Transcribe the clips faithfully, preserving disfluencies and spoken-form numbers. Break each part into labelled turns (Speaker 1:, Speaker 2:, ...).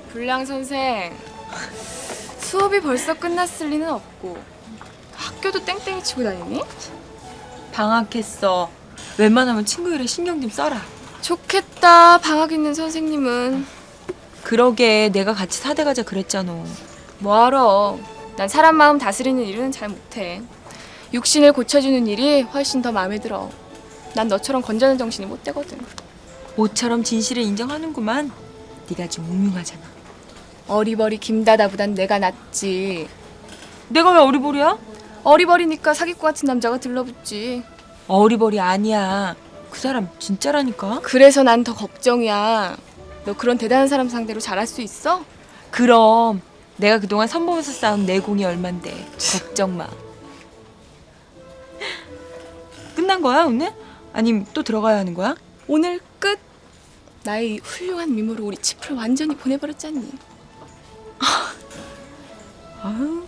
Speaker 1: 불량 선생, 수업이 벌써 끝났을 리는 없고 학교도 땡땡이 치고 다니니?
Speaker 2: 방학했어. 웬만하면 친구 일에 신경 좀 써라.
Speaker 1: 좋겠다, 방학 있는 선생님은.
Speaker 2: 그러게 내가 같이 사대 가자 그랬잖아.
Speaker 1: 뭐하러. 난 사람 마음 다스리는 일은 잘 못해. 육신을 고쳐주는 일이 훨씬 더 마음에 들어. 난 너처럼 건전한 정신이 못 되거든.
Speaker 2: 모처럼 진실을 인정하는구만. 네가 좀 음흉하잖아.
Speaker 1: 어리버리 김다다보단 내가 낫지.
Speaker 2: 내가 왜 어리버리야?
Speaker 1: 어리버리니까 사기꾼 같은 남자가 들러붙지.
Speaker 2: 어리버리 아니야. 그 사람 진짜라니까.
Speaker 1: 그래서 난 더 걱정이야. 너 그런 대단한 사람 상대로 잘할 수 있어?
Speaker 2: 그럼 내가 그동안 선보면서 쌓은 내공이 얼만데. 걱정 마. 끝난 거야 오늘? 아님 또 들어가야 하는 거야?
Speaker 1: 오늘 끝. 나의 이 훌륭한 미모로 우리 치프를 완전히 보내버렸잖니.
Speaker 2: 아유.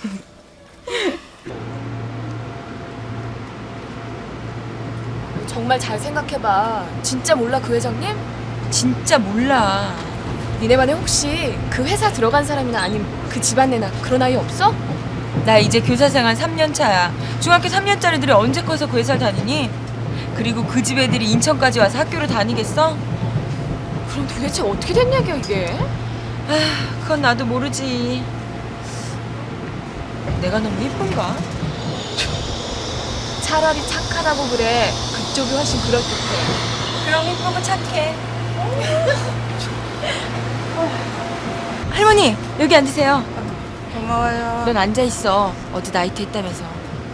Speaker 1: 정말 잘 생각해봐. 진짜 몰라 그 회장님?
Speaker 2: 진짜 몰라.
Speaker 1: 니네 반에 혹시 그 회사 들어간 사람이나 아님 그 집안 내나 그런 아이 없어?
Speaker 2: 나 이제 교사 생활 삼 년 차야. 중학교 삼 년짜리들이 언제 커서 그 회사를 다니니? 그리고 그 집 애들이 인천까지 와서 학교를 다니겠어?
Speaker 1: 그럼 도대체 어떻게 된 얘기야 이게?
Speaker 2: 아, 그건 나도 모르지. 내가 너무 예쁜가?
Speaker 1: 차라리 착하다고 그래. 그쪽이 훨씬 그럴듯해.
Speaker 2: 그럼 예쁘고 착해. 할머니 여기 앉으세요.
Speaker 3: 고마워요.
Speaker 2: 넌 앉아 있어. 어제 나이트 했다면서.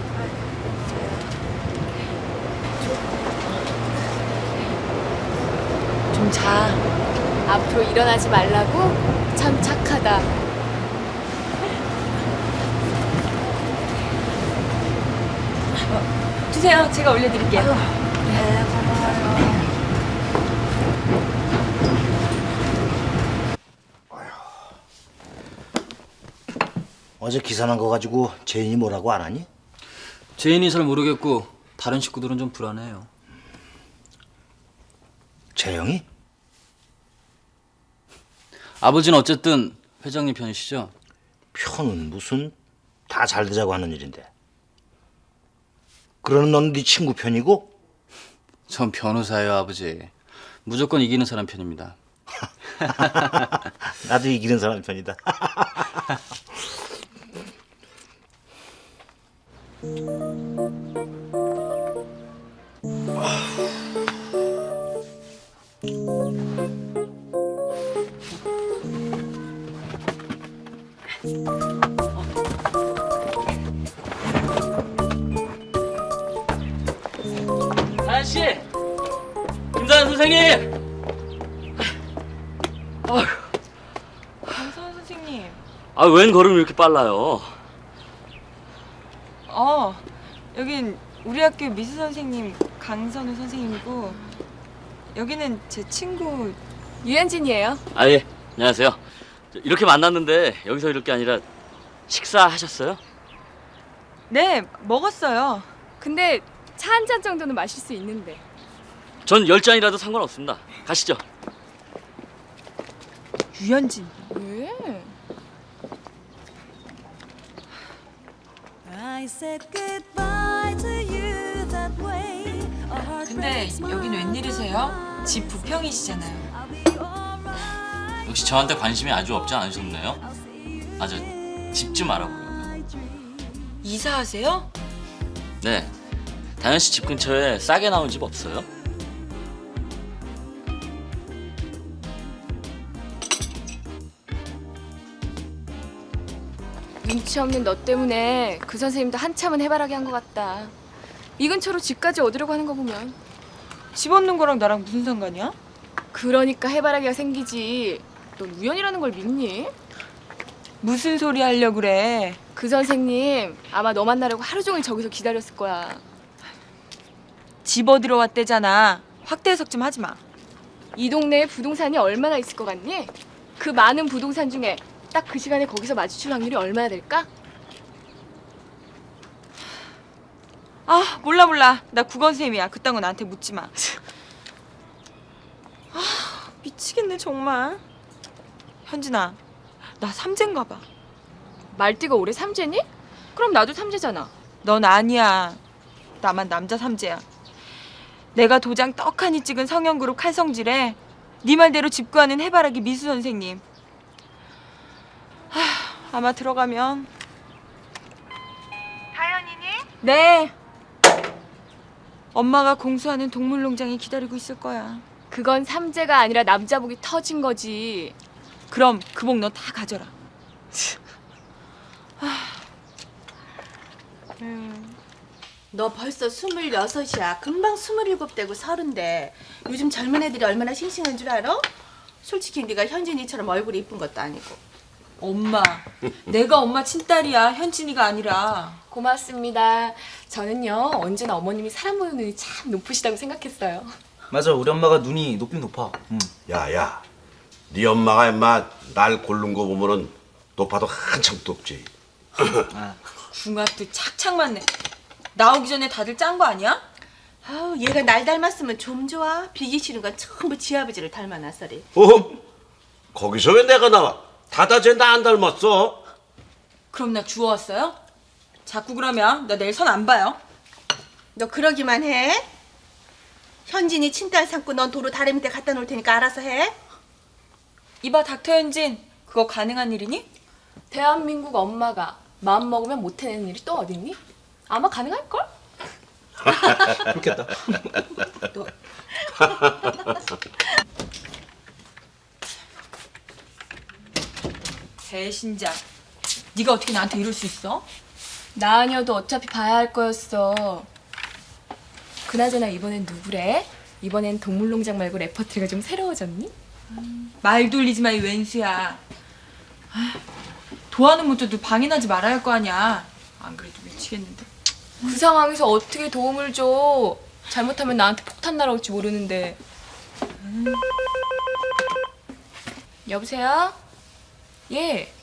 Speaker 2: 좀 자.
Speaker 1: 앞으로 일어나지 말라고? 참 착하다.
Speaker 2: 주세요. 제가 올려드릴게요.
Speaker 3: 네, 고마워요.
Speaker 4: 어제 기사 난 거 가지고 제인이 뭐라고 안 하니?
Speaker 5: 제인이 잘 모르겠고 다른 식구들은 좀 불안해요.
Speaker 4: 재영이?
Speaker 5: 아버지는 어쨌든 회장님 편이시죠?
Speaker 4: 편은 무슨 다 잘 되자고 하는 일인데. 그러는 넌 네 친구 편이고?
Speaker 5: 전 변호사예요, 아버지. 무조건 이기는 사람 편입니다.
Speaker 4: 나도 이기는 사람 편이다.
Speaker 5: 다현 씨, 김다현 선생님.
Speaker 2: 강선 선생님.
Speaker 5: 아, 웬 걸음이 이렇게 빨라요?
Speaker 2: 어, 여긴 우리 학교 미술 선생님 강선우 선생님이고 여기는 제 친구.
Speaker 1: 유현진이에요.
Speaker 5: 아 예, 안녕하세요. 저, 이렇게 만났는데 여기서 이럴 게 아니라 식사하셨어요?
Speaker 2: 네, 먹었어요.
Speaker 1: 근데 차 한 잔 정도는 마실 수 있는데.
Speaker 5: 전 열 잔이라도 상관없습니다. 가시죠.
Speaker 2: 유현진.
Speaker 1: 왜?
Speaker 2: 근데 여긴 웬일이세요? 집 부평이시잖아요.
Speaker 5: 역시 저한테 관심이 아주 없지 않으셨네요. 아, 저 집 좀 알아보려고요.
Speaker 2: 이사하세요?
Speaker 5: 네, 다현 씨 집 근처에 싸게 나온 집 없어요?
Speaker 1: 눈치 없는 너 때문에 그 선생님도 한참은 해바라기 한 것 같다. 이 근처로 집까지 얻으려고 하는 거 보면.
Speaker 2: 집 얻는 거랑 나랑 무슨 상관이야?
Speaker 1: 그러니까 해바라기가 생기지. 넌 우연이라는 걸 믿니?
Speaker 2: 무슨 소리 하려고 그래?
Speaker 1: 그 선생님 아마 너 만나려고 하루 종일 저기서 기다렸을 거야.
Speaker 2: 집 얻으러 왔대잖아. 확대 해석 좀 하지 마.
Speaker 1: 이 동네에 부동산이 얼마나 있을 것 같니? 그 많은 부동산 중에 딱 그 시간에 거기서 마주칠 확률이 얼마나 될까?
Speaker 2: 아, 몰라 몰라. 나 국어선생님이야. 그딴 거 나한테 묻지 마. 아, 미치겠네 정말. 현진아, 나 삼재인가 봐.
Speaker 1: 말띠가 올해 삼재니? 그럼 나도 삼재잖아.
Speaker 2: 넌 아니야. 나만 남자 삼재야. 내가 도장 떡하니 찍은 성형그룹 칼성질에 네 말대로 집구하는 해바라기 미수 선생님. 하, 아마 들어가면 다현이니? 네. 엄마가 공수하는 동물농장이 기다리고 있을 거야.
Speaker 1: 그건 삼재가 아니라 남자복이 터진 거지.
Speaker 2: 그럼 그 복 너 다 가져라.
Speaker 3: 너 벌써 스물여섯이야. 금방 스물일곱 되고 서른데 요즘 젊은 애들이 얼마나 싱싱한 줄 알아? 솔직히 네가 현진이처럼 얼굴이 이쁜 것도 아니고.
Speaker 2: 엄마, 내가 엄마 친딸이야. 현진이가 아니라.
Speaker 1: 고맙습니다. 저는요 언제나 어머님이 사람 보는 눈이 참 높으시다고 생각했어요.
Speaker 6: 맞아, 우리 엄마가 눈이 높긴 높아. 응.
Speaker 7: 야야, 네 엄마가 임마 날 고른 거 보면은 높아도 한참 높지.
Speaker 2: 궁합도 착착 맞네. 나오기 전에 다들 짠 거 아니야?
Speaker 3: 아우 얘가 날 닮았으면 좀 좋아. 비기 싫은 건 전부 지 아버지를 닮아놨어리.
Speaker 7: 어? 거기서 왜 내가 나와? 다다쟤 나 안 닮았어.
Speaker 2: 그럼 나 주워왔어요? 자꾸 그러면 나 내일 선 안 봐요.
Speaker 3: 너 그러기만 해. 현진이 친딸 삼고 넌 도로 다리 밑에 갖다 놓을 테니까 알아서 해.
Speaker 2: 이봐 닥터 현진, 그거 가능한 일이니?
Speaker 1: 대한민국 엄마가 마음 먹으면 못 해내는 일이 또 어딨니? 아마 가능할걸?
Speaker 6: 그렇겠다.
Speaker 2: 너 배신자. 네가 어떻게 나한테 이럴 수 있어?
Speaker 1: 나 아니어도 어차피 봐야 할 거였어. 그나저나 이번엔 누구래? 이번엔 동물농장 말고 레퍼토리가 좀 새로워졌니?
Speaker 2: 말 돌리지 마 이 웬수야. 아, 도와는 못해도 방해나지 말아야 할 거 아니야. 안 그래도 미치겠는데.
Speaker 1: 그 상황에서 어떻게 도움을 줘? 잘못하면 나한테 폭탄 날아올지 모르는데. 음. 여보세요? 예.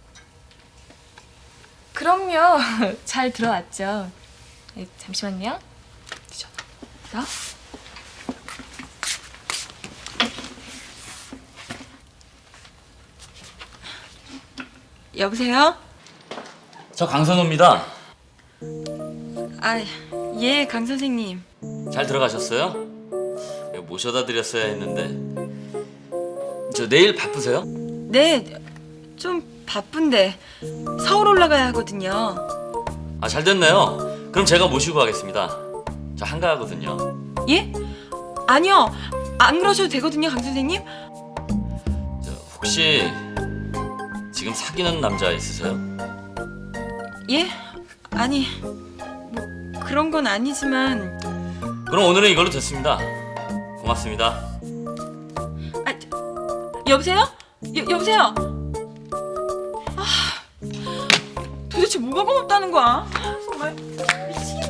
Speaker 1: 그럼요. 잘 들어왔죠. 예, 잠시만요.
Speaker 2: 나? 여보세요?
Speaker 5: 저 강선호입니다.
Speaker 2: 아, 예, 강 선생님.
Speaker 5: 잘 들어가셨어요? 모셔다 드렸어야 했는데. 저 내일 바쁘세요?
Speaker 2: 네, 좀 바쁜데 서울 올라가야 하거든요.
Speaker 5: 아, 잘 됐네요. 그럼 제가 모시고 가겠습니다. 저 한가하거든요.
Speaker 2: 예? 아니요, 안 그러셔도 되거든요, 강 선생님.
Speaker 5: 저 혹시 지금 사귀는 남자 있으세요?
Speaker 2: 예? 아니, 뭐 그런 건 아니지만.
Speaker 5: 그럼 오늘은 이걸로 됐습니다. 고맙습니다.
Speaker 2: 아, 저, 여보세요? 여, 여보세요? 아, 도대체 뭐가 고맙다는 거야? 아, 정말 미치겠네.